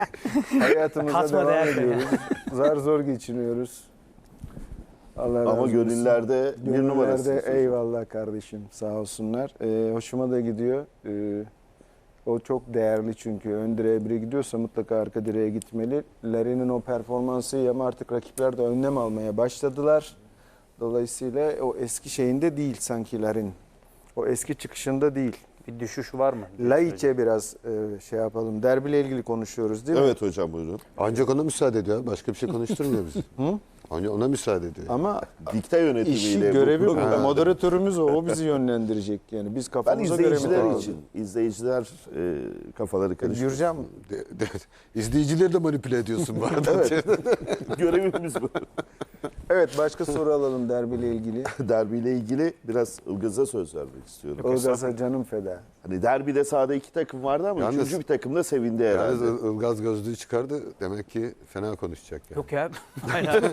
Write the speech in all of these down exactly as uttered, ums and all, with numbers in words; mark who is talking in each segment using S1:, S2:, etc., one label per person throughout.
S1: Hayatımıza
S2: Katma
S1: devam
S2: değer
S1: ediyoruz. Zar zor geçiniyoruz. Allah razı
S3: Ama
S1: olsun.
S3: gönüllerde bir
S1: Gönüllerde
S3: numarasınız.
S1: eyvallah kardeşim, sağ olsunlar. Ee, hoşuma da gidiyor. Ee, o çok değerli çünkü ön direğe biri gidiyorsa mutlaka arka direğe gitmeli. Larin'in o performansı iyi ama artık rakipler de önlem almaya başladılar. Dolayısıyla o eski şeyinde değil sanki Larin. O eski çıkışında değil.
S2: Bir düşüş var mı?
S1: Laiç'e biraz e, şey yapalım. Derbiyle ilgili konuşuyoruz değil mi?
S3: Evet hocam buyurun.
S4: Ancak ona müsaade ediyor. Başka bir şey konuşturmuyor bizi.
S1: Hı?
S4: Ancak ona müsaade ediyor.
S1: Ama
S3: Dikte yönetimiyle
S1: işi
S3: bu
S1: görevi bu.
S3: program-
S1: Moderatörümüz o. O bizi yönlendirecek. Yani biz
S3: Ben
S1: kafamıza göre mi
S3: izleyiciler
S1: kalalım?
S3: için, izleyiciler e, kafaları karıştırıyor.
S1: Gürcan
S4: De, de, izleyicileri de manipüle ediyorsun bu arada.
S3: Evet. Görevimiz bu.
S1: evet, başka soru alalım derbiyle ilgili.
S3: Derbiyle ilgili biraz Ilgaz'a söz vermek istiyorum.
S1: Ilgaz'a canım feda.
S3: Hani derbide sahada iki takım vardı ama
S4: Yalnız-
S3: üçüncü bir takım da sevindi herhalde.
S4: Yalnız Il- Ilgaz gözlüğü çıkardı. Demek ki fena konuşacak yani.
S2: Yok ya. Aynen.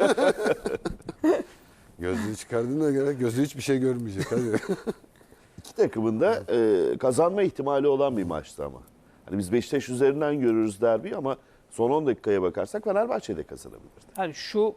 S4: Gözlüğü çıkardığına göre gözü hiçbir şey görmeyecek. Hadi.
S3: İki takımın da e, kazanma ihtimali olan bir maçtı ama. Hani biz Beşiktaş üzerinden görürüz derbi ama son on dakikaya bakarsak Fenerbahçe de kazanabilirdi.
S2: Yani şu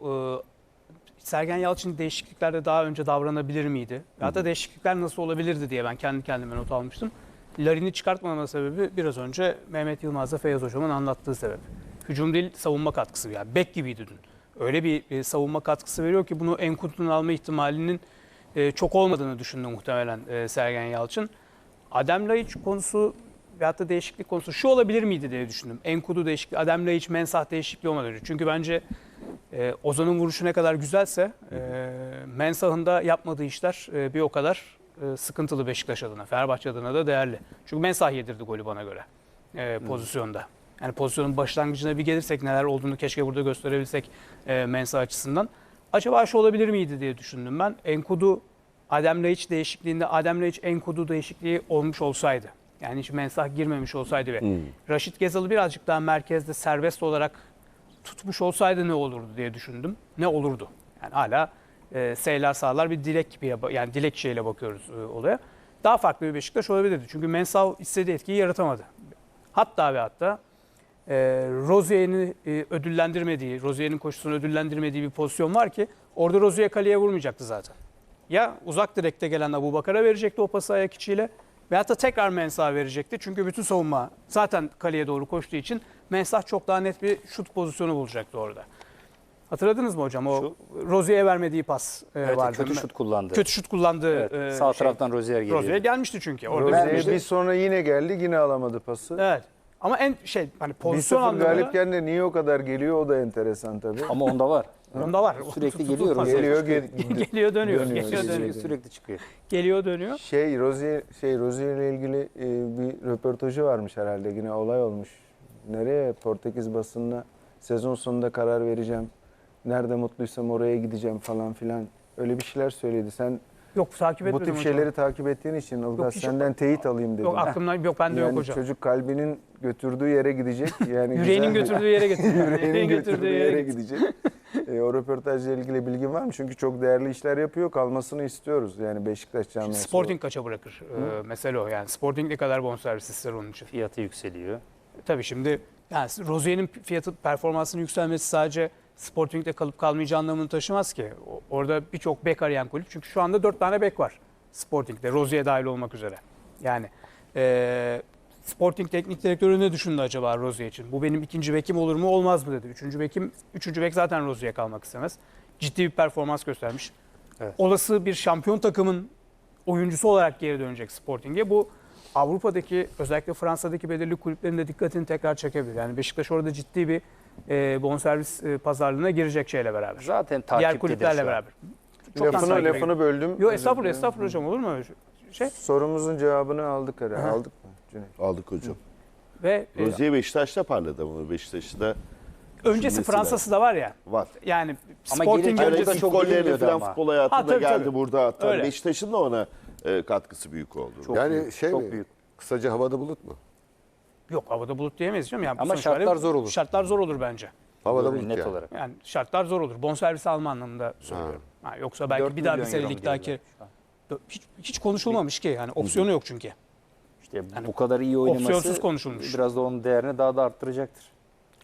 S2: e, Sergen Yalçın değişikliklerde daha önce davranabilir miydi? Ya da değişiklikler nasıl olabilirdi diye ben kendi kendime not almıştım. Larin'i çıkartmama sebebi biraz önce Mehmet Yılmaz'la Feyyaz Hocam'ın anlattığı sebep. Hücum değil, savunma katkısı. Yani bek gibiydi dün. Öyle bir e, savunma katkısı veriyor ki bunu Enkudu'nun alma ihtimalinin e, çok olmadığını düşündü muhtemelen e, Sergen Yalçın. Adem Laiç konusu veyahut da değişiklik konusu şu olabilir miydi diye düşündüm. Enkudu değişikliği, Adem Laiç, Mensah değişikliği olmadı. Çünkü bence e, Ozan'ın vuruşu ne kadar güzelse e, Mensah'ın da yapmadığı işler e, bir o kadar e, sıkıntılı Beşiktaş adına, Fenerbahçe adına da değerli. Çünkü Mensah yedirdi golü bana göre e, pozisyonda. Yani pozisyonun başlangıcına bir gelirsek neler olduğunu keşke burada gösterebilsek e, Mensah açısından. Acaba şu olabilir miydi diye düşündüm ben. Enkudu, Adem Laiç değişikliğinde Adem Laiç Enkudu değişikliği olmuş olsaydı. Yani hiç Mensah girmemiş olsaydı ve
S3: Hmm.
S2: Raşit Gezal'ı birazcık daha merkezde serbest olarak tutmuş olsaydı ne olurdu diye düşündüm. Ne olurdu? Yani hala e, seyler sağlar bir dilek gibi yani dilek şeyle bakıyoruz e, olaya. Daha farklı bir Beşiktaş olabilirdi. Çünkü Mensah istediği etkiyi yaratamadı. Hatta ve hatta e, Rozier'in e, ödüllendirmediği, Rozier'in koşusunu ödüllendirmediği bir pozisyon var ki orada Rozier kaleye vurmayacaktı zaten. Ya uzak direkte gelen Abubakar'a verecekti o pası ayak içiyle veyahut da tekrar Mensah'a verecekti. Çünkü bütün savunma zaten kaleye doğru koştuğu için Mensah çok daha net bir şut pozisyonu bulacaktı orada. Hatırladınız mı hocam? O Rozier'e vermediği pas e,
S5: Evet,
S2: vardı.
S5: kötü şut kullandı.
S2: Kötü şut kullandı.
S5: Evet,
S2: e,
S5: sağ
S2: şey.
S5: taraftan Rozier geliyor.
S2: Rozier gelmişti çünkü. Orada
S1: Rozier
S2: vermişti.
S1: bir sonra yine geldi, yine alamadı pası.
S2: Evet. Ama en şey hani
S1: bir
S2: pozisyon
S1: sıfır
S2: anlamında
S1: galipken de niye o kadar geliyor o da enteresan tabii.
S5: Ama onda var.
S2: onda var.
S5: Sürekli
S2: Tut- tut-
S5: geliyor
S2: pas-
S5: Rozier.
S1: Geliyor, gel-
S2: geliyor dönüyor.
S1: Dönüyor,
S2: Geliyor
S1: geliyor.
S2: dönüyor.
S5: Sürekli çıkıyor.
S2: Geliyor dönüyor.
S1: Şey Rozier şey Rozier ile ilgili e, bir röportajı varmış herhalde, yine olay olmuş. Nereye? Portekiz basınına sezon sonunda karar vereceğim. Nerede mutluysam oraya gideceğim falan filan. Öyle bir şeyler söyledi. Sen
S2: Yok takip
S1: bu
S2: etmedim
S1: tip
S2: hocam.
S1: şeyleri takip ettiğin için Ilgaz
S2: hiç-
S1: senden teyit alayım dedim.
S2: Yok aklımdan yok bende
S1: yani
S2: yok hocam.
S1: çocuk kalbinin götürdüğü yere gidecek. Yani
S2: Yüreğinin
S1: güzel-
S2: götürdüğü yere getiriyor.
S1: Yüreğinin götürdüğü yere gidecek. e, o röportajla ilgili bilgin var mı? Çünkü çok değerli işler yapıyor. Kalmasını istiyoruz. Yani Beşiktaş camiası.
S2: Sporting kaça bırakır? Ee, mesele o yani. Sporting ne kadar bonservis ister onun için?
S5: Fiyatı yükseliyor.
S2: Tabii şimdi yani Rozier'in fiyatı performansının yükselmesi sadece Sporting'de kalıp kalmayacağı anlamını taşımaz ki. O- Orada birçok bek arayan kulüp. Çünkü şu anda dört tane bek var Sporting'de. Rozier dahil olmak üzere. Yani e, Sporting teknik direktörü ne düşündü acaba Rozier için? Bu benim ikinci bekim olur mu olmaz mı dedi. Üçüncü bekim, üçüncü bek zaten Rozier'e kalmak istemez. Ciddi bir performans göstermiş.
S5: Evet.
S2: Olası bir şampiyon takımın oyuncusu olarak geri dönecek Sporting'e. Bu Avrupa'daki özellikle Fransa'daki belirli kulüplerin de dikkatini tekrar çekebilir. Yani Beşiktaş orada ciddi bir e, bonservis e, pazarlığına girecek şeyle beraber.
S5: Zaten
S2: Diğer
S5: takiptedir
S2: kulüplerle
S5: şu an.
S2: beraber. Çoktan
S1: Lafını,
S2: takip
S1: lafını böldüm.
S2: Yok
S1: Özür
S2: estağfurullah
S1: dilerim.
S2: estağfurullah hocam olur mu öyle şey?
S1: Sorumuzun cevabını aldık herhalde.
S2: Aha.
S1: Aldık mı Cüneyt?
S3: Aldık hocam.
S2: Ve e,
S3: Rozier Beşiktaş'ta parladı ama Beşiktaş'ta da
S2: öncesi
S3: düşünmesi
S2: Fransa'sı da var ya.
S3: var.
S2: Yani
S5: Ama
S2: Sporting
S5: gelirken
S3: Hayır,
S5: de
S2: öncesi
S5: çok
S3: ilk gollerini
S5: bilinmiyordu
S3: falan
S5: ama.
S3: futbol hayatında
S2: Ha, tabii,
S3: geldi
S2: tabii.
S3: burada hatta
S2: Öyle.
S3: Beşiktaş'ın da ona e, katkısı büyük oldu.
S5: Çok
S4: yani
S5: büyük,
S4: şey
S5: çok
S4: mi?
S5: büyük.
S4: Kısaca havada bulut mu?
S2: yok havada bulut diyemeyiz canım. Yani
S5: Ama
S2: sonuç
S5: şartlar
S2: itibariyle
S5: zor olur.
S2: Şartlar zor olur bence.
S4: Havada
S5: Böyle
S4: bulut
S5: net
S4: yani.
S5: olarak.
S2: Yani şartlar zor olur. Bonservis alma anlamında söylüyorum. Ha, yoksa belki
S5: dört
S2: bir daha bir
S5: milyon euro mu
S2: senelik daha ki
S5: diyorlar şu an?
S2: hiç, hiç konuşulmamış ki. Yani opsiyonu yok çünkü.
S5: İşte bu kadar iyi oynaması
S2: opsiyonsuz konuşulmuş.
S5: biraz da onun değerini daha da arttıracaktır.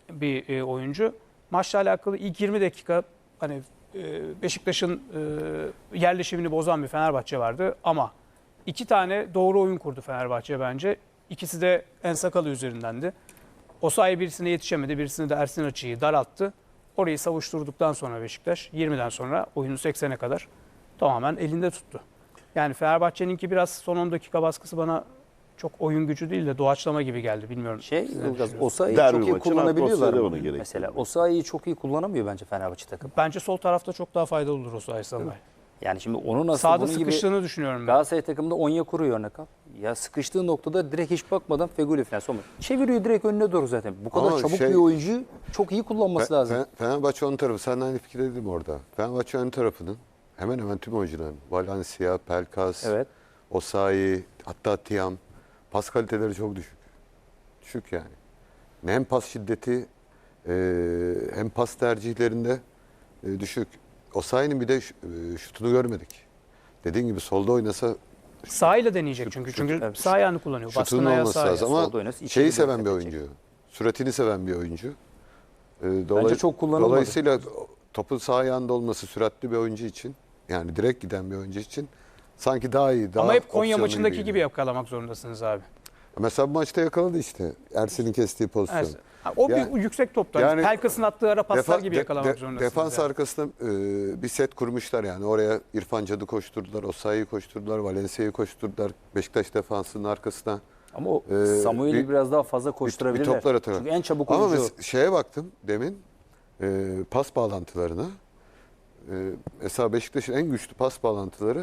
S2: bir e, oyuncu. Maçla alakalı ilk yirmi dakika hani e, Beşiktaş'ın e, yerleşimini bozan bir Fenerbahçe vardı ama iki tane doğru oyun kurdu Fenerbahçe bence. İkisi de Ensakalı üzerindendi. Osayi birisine yetişemedi, birisini de Ersin Açı'yı daralttı. Orayı savuşturduktan sonra Beşiktaş yirmiden sonra oyunu seksene kadar tamamen elinde tuttu. Yani Fenerbahçe'ninki biraz son on dakika baskısı bana çok oyun gücü değil de doğaçlama gibi geldi. Bilmiyorum.
S5: Şey,
S2: Siz ne
S5: Ilgaz,
S2: düşünüyorsunuz?
S5: Osayi'yi
S3: Derbi
S5: çok iyi
S3: maçın
S5: kullanabiliyorlar
S3: atmosferi
S5: mı?
S3: onu gerektiriyor.
S5: Mesela Osayi'yi çok iyi kullanamıyor bence Fenerbahçe takım.
S2: Bence sol tarafta çok daha faydalı olur Osayi Salmay.
S5: Yani şimdi onun aslında
S2: Sağda
S5: bunun gibi
S2: sıkıştığını düşünüyorum ben.
S5: Galatasaray takımında Onyekuru örnek al. Ya sıkıştığı noktada direkt hiç bakmadan Feguli falan sonra çeviriyor direkt önüne doğru zaten. Bu kadar
S4: Ama
S5: çabuk
S4: şey-
S5: bir oyuncuyu çok iyi kullanması
S4: Fe-
S5: lazım.
S4: Fe- Fenerbahçe ön tarafı. Senden aynı fikirdeydim orada. Fenerbahçe ön tarafının hemen hemen tüm oyuncuların. Valencia, Pelkas,
S5: Evet.
S4: Osayi, hatta Tiam. Pas kaliteleri çok düşük. Düşük yani. Hem pas şiddeti e, hem pas tercihlerinde e, düşük. Osayi'nin bir de ş- e, şutunu görmedik. Dediğin gibi solda oynasa
S2: Sağıyla deneyecek çünkü. Çünkü
S5: evet.
S2: sağ ayağını kullanıyor. Baskın
S4: şutunun
S2: ayağı
S4: olması
S2: sağ ayağı.
S4: lazım. Ama
S5: Solda oynasa içeri
S4: şeyi
S5: dört
S4: seven bir
S5: edecek.
S4: oyuncu. Süratini seven bir oyuncu. E, dolay-
S5: çok kullanılmadı.
S4: Dolayısıyla topun sağ ayağında olması süratli bir oyuncu için, yani direkt giden bir oyuncu için sanki daha iyi. Daha
S2: Ama hep Konya
S4: opsiyonlu
S2: maçındaki
S4: gibiydi.
S2: gibi yakalamak zorundasınız abi.
S4: Mesela bu maçta yakaladı işte. Ersin'in kestiği pozisyon.
S2: Evet. Ha, O
S4: Yani-
S2: bir yüksek toplar.
S4: yani
S2: Pelkas'ın attığı ara paslar
S4: Defa-
S2: gibi
S4: de-
S2: yakalamak
S4: de-
S2: zorundasınız.
S4: Defans
S2: yani.
S4: arkasında e, bir set kurmuşlar yani. Oraya İrfan Cad'ı koşturdular, Osayi'yi koşturdular, Valencia'yı koşturdular. Beşiktaş defansının arkasına.
S5: Ama o
S4: Ee,
S5: Samuel'i
S4: bir-
S5: biraz daha fazla
S4: Bir, bir
S5: koşturabilirler.
S4: toplar atarak.
S5: Çünkü en çabuk
S4: Ama
S5: oyuncu o.
S4: mes- şeye baktım demin e, pas bağlantılarına. E, mesela Beşiktaş'ın en güçlü pas bağlantıları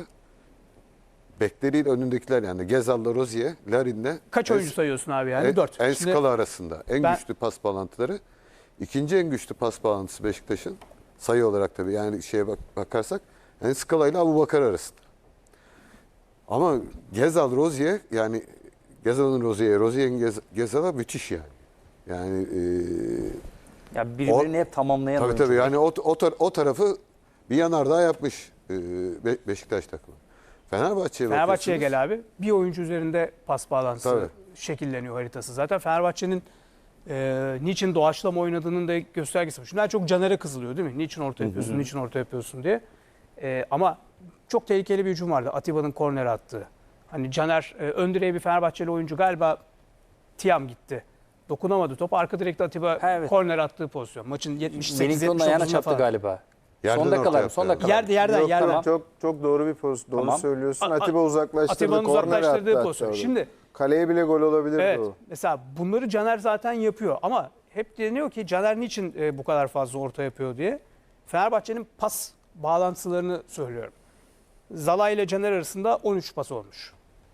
S4: bekleriyle önündekiler yani Gezal'la Rozier, Larin'le
S2: Kaç
S4: En-
S2: oyuncu sayıyorsun abi yani?
S4: en,
S2: Dört.
S4: en
S2: Şimdi
S4: skala arasında en
S2: ben-
S4: güçlü pas bağlantıları. İkinci en güçlü pas bağlantısı Beşiktaş'ın sayı olarak tabii yani şeye bak, bakarsak en skala ile Abubakar arasında. Ama Gezal, Rozier yani Gezal'ın Rozier'e, Rozier'in Gez, Gezal'a müthiş yani. Yani e,
S5: Ya birbirini hep tamamlayan
S4: tabii
S5: oyuncu.
S4: tabii yani o, o, tar- o tarafı bir yanardağ yapmış e, Be- Beşiktaş takımı. Fenerbahçe'ye
S2: Fenerbahçe'ye
S4: bakıyorsunuz.
S2: gel abi. Bir oyuncu üzerinde pas bağlantısı
S4: Tabii.
S2: şekilleniyor haritası. Zaten Fenerbahçe'nin e, niçin doğaçlama oynadığının da göstergesi bu. Şimdi daha çok Caner'e kızılıyor değil mi? Niçin orta yapıyorsun, niçin orta yapıyorsun diye. E, ama çok tehlikeli bir hücum vardı. Atiba'nın korner attığı. Hani Caner e, ön direğe bir Fenerbahçeli oyuncu galiba Tiam gitti. Dokunamadı top. Arka direkte Atiba
S5: Ha, evet.
S2: korner attığı pozisyon. Maçın yetmiş sekiz
S5: Wellington'un
S2: yetmiş
S5: ayağına
S2: dokuzunda
S5: çarptı
S2: falan.
S5: galiba.
S4: Yerden
S5: Son dakikalar
S4: orta
S5: mı? Son
S4: yaptı.
S5: dakikalar.
S2: Yerde yerden
S1: Yok,
S2: yerden.
S1: tamam, çok çok doğru bir pozisyon. Doğru
S5: Tamam.
S1: söylüyorsun.
S2: A- a-
S1: Atiba uzaklaştırdı.
S2: Atiba'nın
S1: korner
S2: uzaklaştırdığı
S1: attı
S2: pozisyon.
S1: hatta.
S2: Şimdi
S1: Kaleye bile gol olabilirdi
S2: evet.
S1: o.
S2: Mesela bunları Caner zaten yapıyor ama hep deniyor ki Caner niçin e, bu kadar fazla orta yapıyor diye. Fenerbahçe'nin pas bağlantılarını söylüyorum. Zala ile Caner arasında on üç pas olmuş.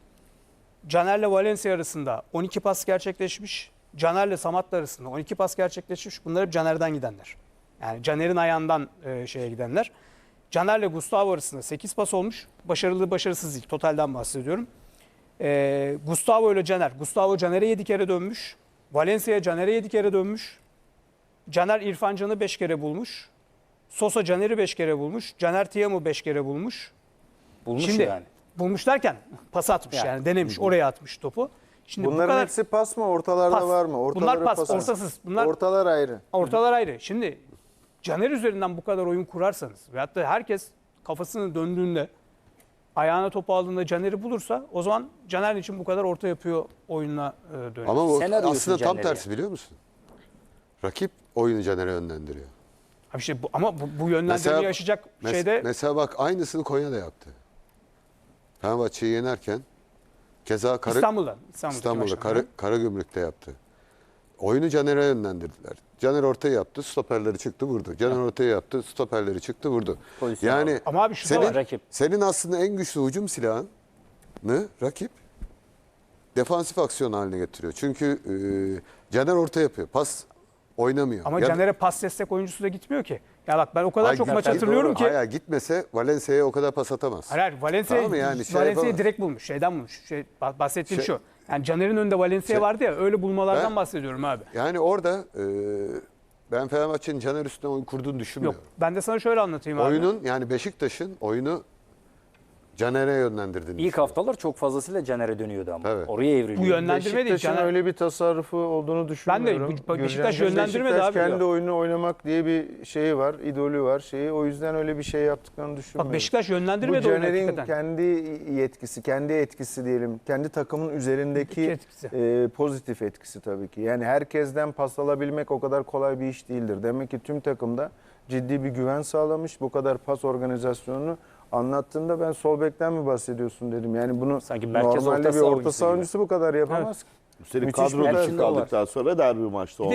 S2: Caner'le Valencia arasında on iki pas gerçekleşmiş. Caner'le Samat'la arasında on iki pas gerçekleşmiş. Bunlar hep Caner'den gidenler. Yani Caner'in ayağından e, şeye gidenler. Caner'le Gustavo arasında sekiz pas olmuş. Başarılı başarısız değil. Totalden bahsediyorum. E, Gustavo ile Caner. Gustavo Caner'e yedi kere dönmüş. Valencia Caner'e yedi kere dönmüş. Caner İrfan Can'ı beş kere bulmuş. Sosa Caner'i beş kere bulmuş. Caner Tiam'ı beş kere bulmuş.
S5: Bulmuş
S2: Şimdi
S5: yani.
S2: bulmuş derken pas atmış yani,
S5: Yani.
S2: denemiş oraya atmış topu. Şimdi bu
S1: Bunların
S2: kadar
S1: hepsi pas mı? Ortalarda
S2: pas.
S1: var mı?
S2: Bunlar
S1: Ortaları
S2: pas,
S1: pas.
S2: ortasız. Bunlar
S1: Ortalar ayrı.
S2: ortalar ayrı. Şimdi Caner üzerinden bu kadar oyun kurarsanız ve hatta herkes kafasını döndüğünde ayağına topu aldığında Caner'i bulursa o zaman Caner için bu kadar orta yapıyor oyununa e, dönüyor.
S4: Ama bu
S5: Sen arıyorsun
S4: aslında tam
S5: Caner'i.
S4: tersi biliyor musun? Rakip oyunu Caner'e yönlendiriyor.
S2: Abi işte bu, ama bu, bu yönlendirmeyi
S4: Mesela-
S2: yaşayacak
S4: Mes-
S2: şeyde
S4: Mesela bak aynısını Konya'da yaptı. Fenerbahçe'yi yenerken keza Kara,
S2: İstanbul'da. İstanbul'da,
S4: İstanbul'da Kara, Karagümrük'te yaptı. Oyunu Caner'e yönlendirdiler. Caner ortaya yaptı, stoperleri çıktı vurdu. Caner ortaya yaptı, stoperleri çıktı vurdu.
S5: Pozisyon
S4: Yani
S5: aldı.
S2: Ama abi şu da
S4: senin,
S2: var,
S5: rakip.
S4: senin aslında en güçlü hücum silahını rakip defansif aksiyon haline getiriyor. Çünkü e, Caner orta yapıyor, pas oynamıyor.
S2: ama
S4: Ya-
S2: Caner'e pas destek oyuncusu da gitmiyor ki. Ya bak ben o kadar
S4: Ay,
S2: çok maç
S4: zaten
S2: hatırlıyorum
S4: doğru.
S2: ki.
S4: Hayır, gitmese Valencia'ya o kadar pas atamaz.
S2: Hayır, hayır Valencia,
S4: Tamam mı yani şey
S2: Valencia'yı
S4: yapamaz.
S2: direkt bulmuş. Şeyden bulmuş. Şey, bah- bahsettiğim
S4: Şey-
S2: şu. Yani Caner'in önünde Valencia
S4: Şey-
S2: vardı ya öyle bulmalardan
S4: Ben-
S2: bahsediyorum abi.
S4: Yani orada e, ben Fenerbahçe'nin Caner üstüne oyun kurduğunu
S2: Yok
S4: düşünmüyorum.
S2: ben de sana şöyle anlatayım abi.
S4: Oyunun yani Beşiktaş'ın oyunu Caner'e yönlendirdiğini
S5: İlk haftalar çok fazlasıyla Caner'e dönüyordu ama.
S4: Evet.
S5: Oraya evriliyor.
S2: Bu yönlendirme değil.
S1: Beşiktaş'ın
S2: Caner-
S1: öyle bir tasarrufu olduğunu düşünmüyorum.
S2: bu- Beşiktaş
S1: Gürcan
S2: yönlendirmedi
S1: Beşiktaş
S2: abi.
S1: kendi oyunu oynamak diye bir şeyi var, idolü var şeyi. O yüzden öyle bir şey yaptıklarını düşünmüyorum.
S2: Bak Beşiktaş
S1: Bu
S2: yönlendirmedi oyunu
S1: Caner'in
S2: hakikaten.
S1: kendi yetkisi, kendi etkisi diyelim. Kendi takımın üzerindeki
S2: Etkisi.
S1: e, pozitif etkisi tabii ki. Yani herkesten pas alabilmek o kadar kolay bir iş değildir. Demek ki tüm takımda ciddi bir güven sağlamış. Bu kadar pas organizasyonunu anlattığında ben sol bekten mi bahsediyorsun dedim. Yani bunu
S5: Sanki merkez
S1: normalde
S5: orta
S1: bir
S5: saha
S1: orta
S5: oyuncusu
S1: saha
S5: gibi.
S1: oyuncusu bu kadar yapamaz.
S3: Üstelik
S1: Müthiş bir
S3: kadro dışı
S5: performans var.
S3: kaldıktan sonra derbi maçta